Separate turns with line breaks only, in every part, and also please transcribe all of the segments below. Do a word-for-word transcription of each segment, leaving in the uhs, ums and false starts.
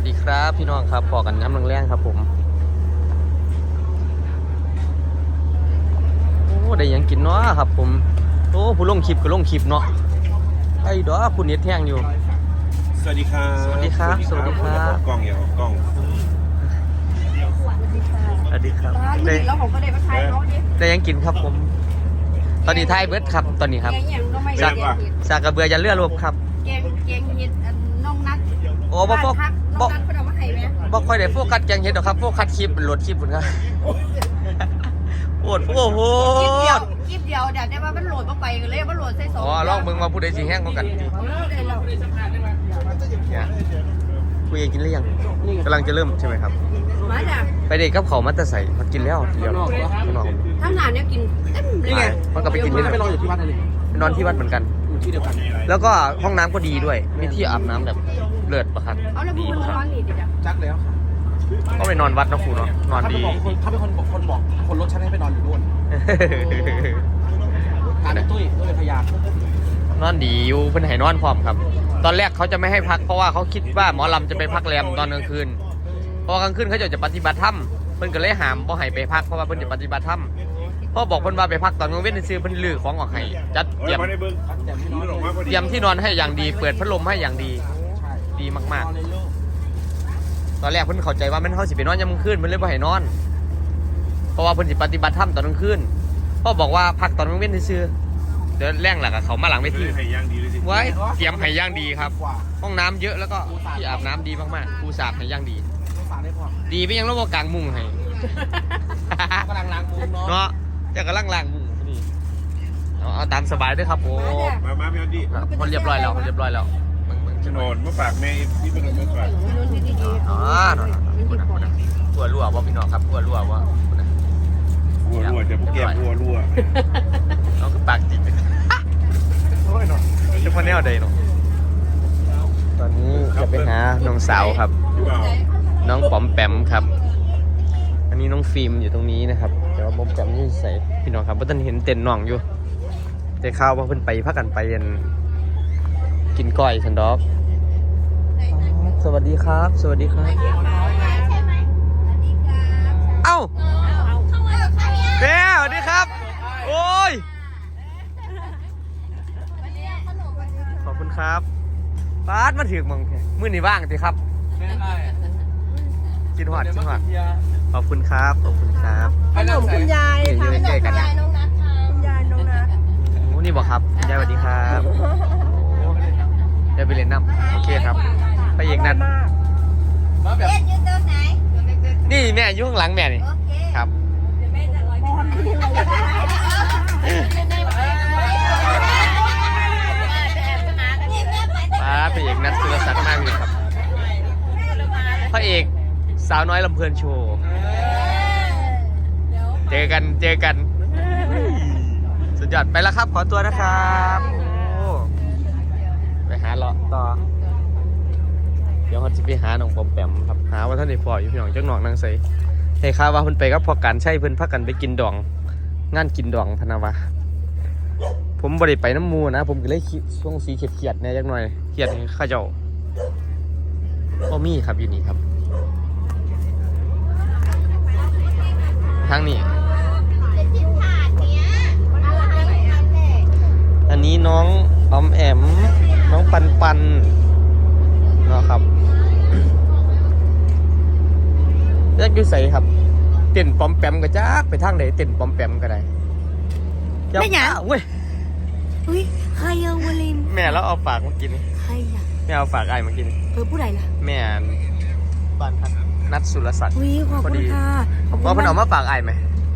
ดีครับพี่น้องครับพอกันน้ำแรงๆครับผมโอ้ได้ยังกินเนาะครับผมโอ้ผู้ลงคลิปก็ลงคลิปเนาะไอ้ดอกคุณเน็ตแท่งอยู่
สวัสดีครับ
สวัสดีครับสวัสดีครับ
กล้องเหี่ยวกล้อง
สวัสดีครับได้แล้วผมก็ได้มาถ่ายเขาได้ยังกินครับผมตอนนี้ถ่ายเบิร์ดครับตอนนี้ครับจากจากกระเบือยันเลือดรวบครับ
เกงเกงเห็ดน้องนัด
โอ้บ่บ่บ่บ่ค่อยได้โฟกัสแกงเห็ดหรอกครับโฟกัสคลิปโหลดคลิปพุ่นครับโอดโอ้โห
คลิปเดียวคลิปเดียวเดี๋ยวได้ว่ามันโหลดมาไปกันเลยมันโหลดใส่สอง
อ๋อลองมึงมาพูดได้สิแห้งกว่ากันดิคุยกันกินหรือยังกำลังจะเริ่มใช่ไหมครับ
มาจ้ะ
ไปเด็กกับเขามาแต่ใส่มากินแล้วเดี๋ยวข้างนอก
ทั้งงานเนี่ยกิน
นี่ไงมันก็ไปกินที่ไหน
ไปนอนอยู่ที่วัดอะไร
นอนที่วัดเหมือนกัน
อยู่ที่เดียวกัน
แล้วก็ห้องน้ำก็ดีด้วยมีที่อาบน้ำแบบเลิศประคับ
เอาแล้วพูดมันร้อนนี่ดิจ้ะ
จักแล้ว
ก็ไปนอนวัดนะครูเนาะนอนดี
เขาเป็นคนบอกคนบอกคนรถฉันให้ไปนอนอยู่นู่นการตุ้ยตุ้ยพยาน
นอนดีอยู่เพิ่นให้นอนพร้อมครับตอนแรกเขาจะไม่ให้พักเพราะว่าเขาคิดว่าหมอลำจะไปพักแรมตอนกลางคืนพอกลางคืนเขาจะจะปฏิบัติธรรมเพิ่นก็เลยห้ามบ่ให้ไปพักเพราะว่าเพิ่นจะปฏิบัติธรรมพ่อบอกเพิ่นว่าไปพักตอนกลางเว้นซื้อเพิ่นลื้อของออกให้จัดเตรียมเตรียมที่นอนให้อย่างดีเปิดพัดลมให้อย่างดีดีมากๆตอนแรกเพิ่นเข้าใจว่ามันเฮาสิไปนอนยามกลางคืนมันเลยบ่ให้นอนเพราะว่าเพิ่นสิปฏิบัติธรรมตอนกลางคืนพ่อบอกว่าพักตอนกลางเว้นซื้อเดี๋ยวแรงหลักเขามาหลังเวทีไว้เตรียมให้ย่างดีครับห้องน้ำเยอะแล้วก็ที่อาบน้ำดีมากๆปูสาดให้ย่างดีดีไปยังระบบกลางมุ้งให้
กำลังล้างมุ้ง
เนาะจะกำลังล้างมุ้งนี่เอาตามสบายด้วยครับโอ้
มามาพี่อันดี้
คนเรียบร้อยแล้วคนเรียบร้อยแล้ว
โฉนดมาฝากแม่ที่เป็นมาฝาก
อ๋อหัวรั่วว่าพี่น้องครับหัวรั่วว่า
หัวรั่วจะพวกแก้มหัวรั่ว
น้องคือปากจิกโอ้ยเนาะจะมาแนวใดเนาะตอนนี้จะไปหาน้องสาวครับน้องป๋อมแปมครับอันนี้น้องฟิล์มอยู่ตรงนี้นะครับแต่ว่าป๋อมแปมนี่ใส่พี่น้องครับเพราะท่านเห็นเต็นน้องอยู่แต่ข้าวว่าเพิ่นไปพักกันไปยันกินก้อยสันดอกสวัสดีครับสวัสดีครับเอ้าเด้สวัสดีครับโอ้ยขอบคุณครับบาสมาถึงมึงมื้อนี้ว่างสิครับกินหอดกินหอดขอบคุณครับขอบคุณครับ
ขนมคุณยายทำขนมคุณยายน้องนัทคุณยายน้องนัท
โอ้นี่บอกครับคุณยายสวัสดีครับเดี๋ยวไปเรียนน้ำโอเคครับไปเอกนัดนี่แม่อยู่ข้างหลังแม่นี่ครับป้าพระเอกนัดสุรศักดิ์มากเลยครับพระเอกสาวน้อยลำเพลินโชว์เจอกันเจอกันสุดยอดไปแล้วครับขอตัวนะครับไปหาเลาะต่อเดี๋ยวเขาจะไปหาน้องปอมแปมครับหาว่าท่านในฟออยู่พี่น้องจังหนองนางใสให้ข่าวว่าเพิ่นไปกับพอการใช่เพิ่นพักกันไปกินดองงานกินดองพนาวะผมบ่ได้ไปน้ำมูนะผมก็เลยช่วงสีเขียดๆเนี่ยจักหน่อยเขียดข้าเจ้าก็มีครับอยู่นี่ครับทางนี้อันนี้น้องอมแอมน้องปันปันเนาะครับแยกอยู่ใส่ครับเต้นปอมแปมก็จักไปทางไหนเต้นปอมแปมก็ได้
ไม่หยัง
เว้ย
อุ้ยใครเอาวลิม
แม่แล้วเอาฝากมากิน
ใครอ่ะ
แม่เอาฝากไอ้มากิน
เออผู้ใดล่ะ
แม่บ้านพักนัดสุรศักดิ์
อุ้ยขอบคุณค่ะ
ว่าเพิ่นเอามาฝากไอ้ไหม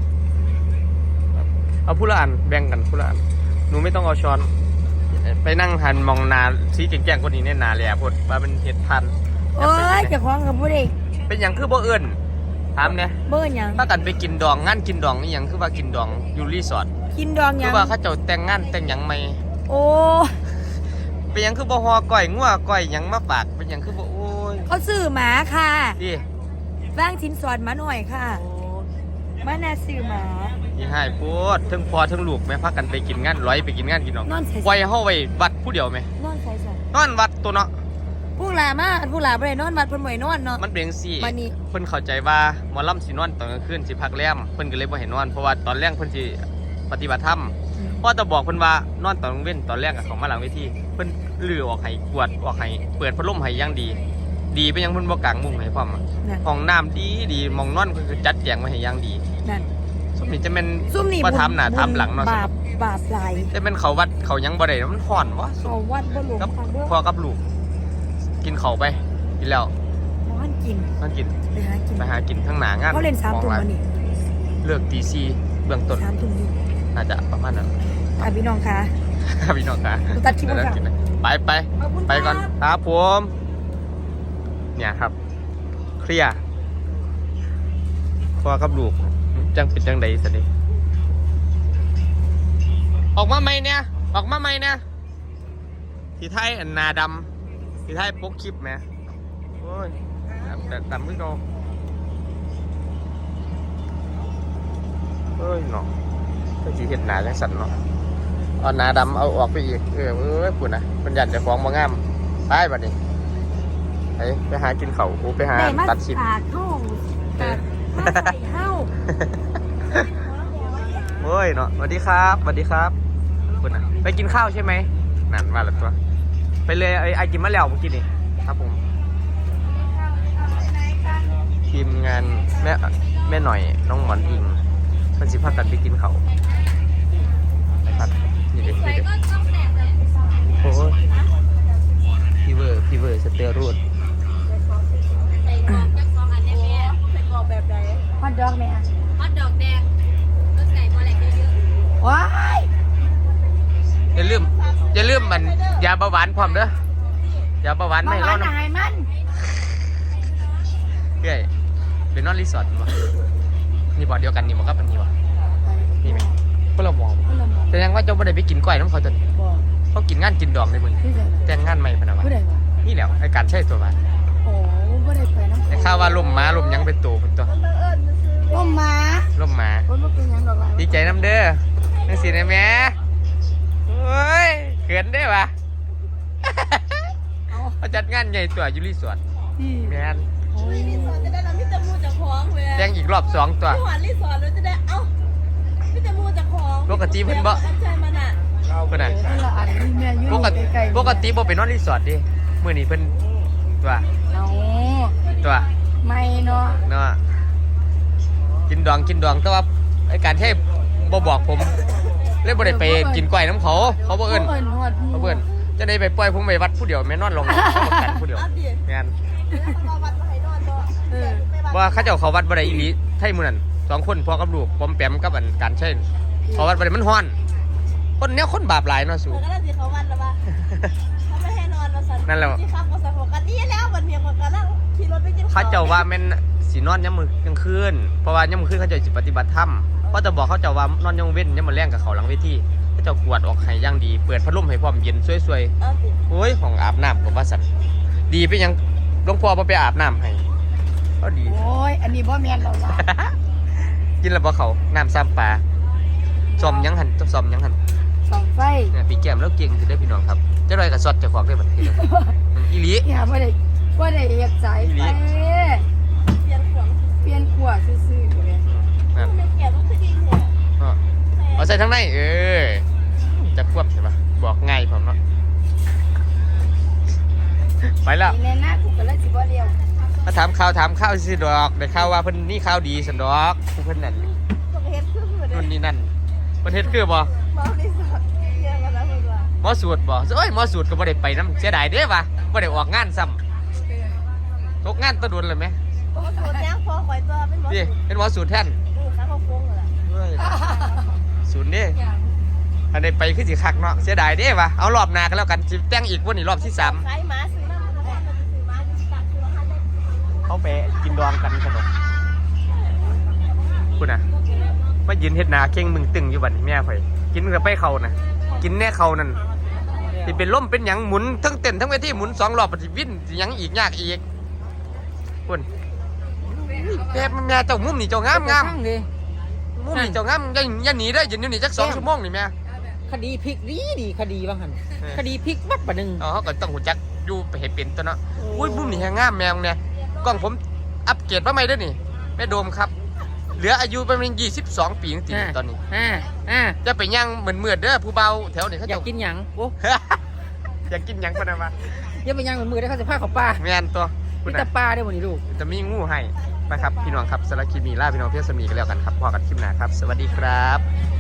เอาผู้ละอันแบ่งกันผู้ละอันหนูไม่ต้องเอาช้อนไปนั่งหันมองนาสีแก่งๆคนนี้เนี่ยนาแหล่พดว่าเป็นเห็ดพัน
โอ้ยจะคล้องกับผู้ใด
เป็นอย่างคือบ่เอิญถามเนี่ย
เบิ้ลยัง
ถ้ากันไปกินดองงานกินดองนี่ยังคือว่ากินดองอยู่รีสอร์ท
กินดองยัง
คือว่าเขาเจ้าแต่งงานแต่งหยังไหม
โอ้
เป็นยังคือบ่ฮอก้อยงัวก้อยหยังมาฝากเป็นยังคือบ่โอ้ย
เขาซื้อหมาค่ะ
ดิ
บ้างชิ้นสอนมาหน่อยค่ะมาแน่ซื้อหมา
ที่ให้พูดทั้งพอทั้งลูกแม่พักกันไปกินงานร้อยไปกินงานกินดองไว้เฮาไว้วัดผู้เดียวไหม
นอนใส่ใส่
นอนวัดตัวเนาะ
ผู้หลามาผู้หลาบ่ได้นอนวัดเพิ่นบ่ให้นอนเนาะ
มันเป็นจังซี่
บัดนี้
เพิ่นเข้าใจว่าหมอลำสินอนตอนกลางคืนสิพักแรมเพิ่นก็เลยบ่ให้นอนเพราะว่าตอนแรกเพิ่นสิปฏิบัติธรรมเพราะแต่บอกเพิ่นว่านอนตอนกลางเว้นตอนแรกอะเขามาหลังเวทีเพิ่นลื้อออกให้กวาดออกให้เปิดพัดลมให้อย่างดี ดีไปยังเพิ่นบ่กางมุ้งให้พร้อมอะ
นั่น
ห้องน้ำดีดีหมองนอนเพิ่นก็จัดแจงไว้ให้อย่างดี
นั่น
ซุมนี้จะแม่น
ซุ่มนี่
บ่ถามหน้าถามหลังเนาะ
บาปบาปหลาย
แต่แม่นเขาวัดเขายังบ่ได้มันฮ้อนวะ
เขาวัดบ่หลวง
กับ
ฟังเด้อ
พ่อกับลูกกินข้าวไปกินแล้ว
บ่ทันกิน
มันกิน
ไปหากิน
ไปหากินทั้งหน้างาน
เขาเล่นสามทุ่ม
ห
วันนี้
เลิกตีสี่เบื้องต้น
สามทุ่มอยู่
น่าจะประมาณนั้น
อ่ะพี่น้องคะ
ครับพี่น้องครับ
ตัดคลิปก่อนค่ะ
ไปไป
ขอบคุณ
ไปก่อน
ครับ
ครับผมเนี่ยครับ เคลียร์พอกับลูกจังเป็นจังใดสิดิออกมาไหมเนี่ยออกมาไหมเนี่ยที่ไทยอันนาดำที่ไทยปกคลิปไหมโอ้ยดำดำขึ้นโตเอ้ยเนาะก็จีเห็ดหนาจังสันเนาะเอาหนาดำเอาออกไปอีกเออเอ้ยปุ่นนะมันยันจะฟ้องมางามไปบัดนี้ไปไปหากินเขาวไปหา
ได้มา
ตัดชิป
ขาดห้องขาดมาใส่เฮ้า
เฮ้ยเนาะสวัสดีครับสวัสดีครับคุณนะไปกินข้าวใช่ไหมนั่นมาแล้วตัวไปเลยไอ้ไอ้กินมะแล้วเมื่อกี้นี่ครับผมทีมงานแม่แม่หน่อยน้องหมอนอิงมันสิพากันไปกินเขาวนะครับนี่เด็กนี่เด็กโอ้ยพีเวอร์พีเวอร์สเตียรูด
ฮอตดอกไหมอ่ะ
ฮอตดอกแดงรสไก่พอแหลกเยอะ
ว้าย
อย่าลืมอย่าลืมมันยาเบาหวานพร้อมเด้อยาเบาหวาน
มา
ไม่
ห
ร้
วา
อน น
อา
นะ
หารมัน
เฮ้ยเป็นนอนรีสอร์ทมั้ยนี่บ่อเดียวกันนี่บ่ครับอันนี้บ่นี่ไหมพวกเรามอง
ผู้ละหมอ
แสดงว่าเจ้าบ่ได้ไปกินก้อยน้ำเขาจะ
บอก
เขากินงานกินดองในมึง
ผู้ใด
แต่งงานใหม่พะนะวะ
ผู้ใดวะ
นี่แหละไอ้การใช้ตัววะ
โอ้ผู้ใดไปน้ำ
ไอ้ข้าวว่าลมม้าลมหยังเป็นตัวเป็นตัว
ร่มม้า
ลมม้า
คนบ่เป็นหยังดอกหลาย
ดีใจน้ำเด้อนังสีนะแม่เฮ้ยเขินได้ปะ
เอา
เขาจัดงานใหญ่ตัวอยู่รีสอร์ท
พี่
แมน
โอ้ย
ๆรีสอร์ทจะได้เราพี่จะมูจากของเว้ย
แต่งอีกรอบสองตัว
พี่หวานรีสอร์ทเราจะได้เอ้าพี่จะมูจากของ
ปกติเพิ่นบ่
อันใช่มันอ่ะ
เพิ่นน่ะ
คนละอันนี่แม่อยู่
ปกติ
ใกล้ๆ
ปกติบ่เป็นนอนรีสอร์ทดิมื้อนี้เพิ่นตัว
เอา
ตัว
ไม่เนาะ
เนาะกินดองกินดองแต่ว่าไอ้การใช้บ่บอกผมเลยบ่ได้ไปกินก้อยน้ำเขาเขาบ่เอิ้น
เอิ้นฮอดหมู่
เขาเอิ้นจะได้ไปปล่อยผมไปวัดผู้เดียวแม่นอนลงเขาบอกกันผู้เดียว
เอาดิ
แม่น
มาวัดมาให้นอนตัว
เออ
ว่าเขาเจ้าเขาวัดบ่ได้อีหลีไทยมื้อนั้นสองคนพ่อกับลูกปอมแปมกับอันการใช้เขาวัดบ่ได้มันฮ้อน คนเนี้ยคนบาปหลายเนาะสู
เออก็ได้สิเขาวันแล้วว่าเขาไม่ให้นอนมาสั่น
นั่นแหละ
ที่ข้ามก็สั่นหัวกันนี่แล้ววันเมียงกันนั่งขี่รถไปกินข้าว
เขาเจ้าว่าแม่นสินอนยามมื้อกลางคืนเพราะว่ายามมื้อคืนเขาเจ้าสิปฏิบัติธรรมเพราะจะบอกเขาเจ้าว่านอนยามเว้นยามมื้อแลงกับเขาหลังเวทีเขาเจ้ากวาดออกให้อย่างดีเปิดพัดลมให้พร้อมเย็นสวยๆ
เอาดิ
โอ้ยของอาบน้ำกับว่าสันดีไปยังหลวงพ่อมาไปอาบน้ำให้ก็ดี
โอ้ยอันนี้บ่แม่นดอกล่ะ
กินแล้วบ่เขาน้ำซ้ำปลาซอมยังหันซอมยังหัน
สองไฟ
เนี่ยปีแก้มแล้วเก่งจะได้พี่น้องครับเจะลอยกับซอดเจะของได้บัดนี้อีหลี
เนี่ยบ่ได้บ่ได้เฮ็ดสายไฟ
เปลี่ยนขวง
เปลี่ยนขวดซื่อๆอยู่เลย
นั่น
ไม่เกี่ยวกับคดีเนี่ย
อ้อเอาใส่ทั้งในเออจะควบใช่ปะบอกง่ายผมเนาะไปแล้ว
นี่แน่นะกูก็เลยสิบ่เลี้ยว
มาถามข่าวถามข่าวสิดอกได้ข่าวว่าเพิ่นนี่ข่าวดีสันดอกผู้เพิ่นนั่น
ก็เห็นคือเหมือน
นู่นนี่นั่นประเทศคือบ่
เมารีสอร์ทเนี่ยกันแล้วมึงว่า
หมอสูตรบ่เอ้ยหมอสูตรก็บ่ได้ไปน้ำเสียดายเด้วะบ่ได้ออกงานซ้ำตกงานตะดุนเลยไหม
โอ้โหแจ้งพอคอยตัวเป็นหมอ
พี่เป็นหมอสูตรแทน
ดูข้างเขาโค้งเลย
เฮ้ยสูตรเด้อันนี้ไปคือสิคักเนาะเสียดายเด้วะเอารอบหน้ากันแล้วกันสิแต่งอีกวันนี้รอบที่สาม
ขายหมาซื้อน้ำมันก็มันซื้อหมาอยู่ตักคือละห้าเล่ม
เขาไปกินดองกันขนมคุณน่ะมายืนเฮ็ดหนาเข่งมึงตึงอยู่บัดนี้แม่ข่อยกินกับไปเขาน่ะกินแน่เขานั่นสิเป็นล่มเป็นหยังหมุนทั้งเต้นทั้งเวทีหมุนสองรอบปฏิวินสิหยังอีกยากอีกคุณแม่แม่เจ้ามุมนี่เจ้างามงาม
ดิ
มุมนี่เจ้างามอย่าอย่าหนีได้อยืนอยู่นี่จักสองชั่วโมงนี่แม่
คดีพลิกดีดีคดีว่าหัน
เออ
คดีพลิกวัดปะหนึ่ง
เอาเขาก็ต้องหูจักอยู่ไปเห็นเป็นตัวเนาะอุ้ยมุมนี่แหงงามแมวเนี่ยกล้องผมอัปเกรดมาใหม่ด้วยนี่แม่โดมครับเหลืออายุประมาณยี่สิบสองปีจริงๆตอนนี้
อ่าอ่า
จะไปย่างเหมือนเมือดเด้อผู้เบาแถวนี้เขา
อยา
จะ
กกินหยังโอ้
อยากกินหยังปะนะวะ
อย่าไปหยังเหมือนมือได้เขาจะพาเขาปลา
แม่นตัวคุ
มี
ณ
แต่
น่ะ
ปลาได้หมดนี่ลูก
จะมีงูให้ไปครับพี่น้องครับสารบคลิปนีล่าพี่น้องเพื่อนสมีกันแล้วกันครับพอกันคลิปหน้าครับ สวัสดีครับ